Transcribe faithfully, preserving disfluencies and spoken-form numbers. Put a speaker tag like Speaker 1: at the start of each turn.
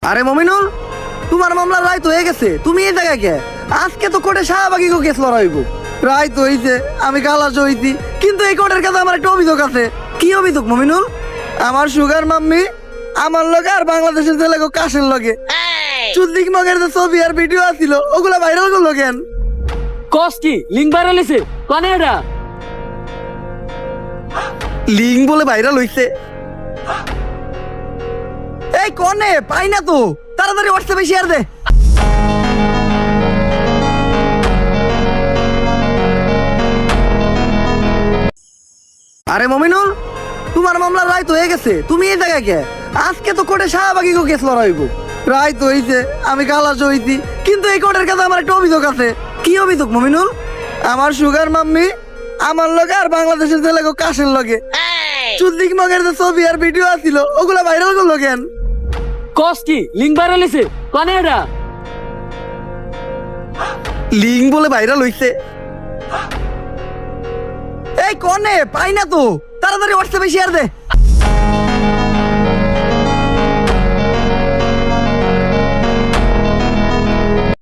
Speaker 1: আরে মমিনুল, তোমার মামলা রায় তো হয়ে গেছে, তুমি এই জায়গায় কে? আজকে তো কোর্টে শাহবাগী কেস লড়াইব। রায় তো হইছে, আমি খালাস হইছি, কিন্তু এই কোর্টের কাছে আমার একটা অভিযোগ আছে। কি অভিযোগ মমিনুল? আমার সুগার মাম্মি আমার লগে আর বাংলাদেশের ছেলে কাশের লগে চুদ্দিক মগের যে ছবি আর ভিডিও আছিল ওগুলা ভাইরাল করলো কেন?
Speaker 2: কস কি লিঙ্ক ভাইরাল হইছে কানে এটা?
Speaker 1: লিঙ্ক বলে ভাইরাল হইছে? এই কনে পাই না তো, তাড়াতাড়ি হোয়াটসঅ্যাপে শেয়ার দে। আরে মমিনুল, তোমার মামলার রায় তো হয়ে গেছে, তুমি এই জায়গায় কে? আজকে তো কোর্টে শাহবাগী কেস লড়াইব। রায় তো হইছে, আমি খালাস হইছি, কিন্তু এই কোর্টের কাছে আমার একটা অভিযোগ আছে। কি অভিযোগ মমিনুল? আমার সুগার মাম্মি আমার লগে আর বাংলাদেশের ছেলে কাশের লগে চুদ্দিক মগের যে ছবি আর ভিডিও আছিল ওগুলা ভাইরাল করলো কেন?
Speaker 2: কস কি লিঙ্ক ভাইরাল হইছে কানে এটা?
Speaker 1: লিঙ্ক বলে ভাইরাল হইছে? এই কনে পাই না তো, তাড়াতাড়ি হোয়াটসঅ্যাপে শেয়ার দে।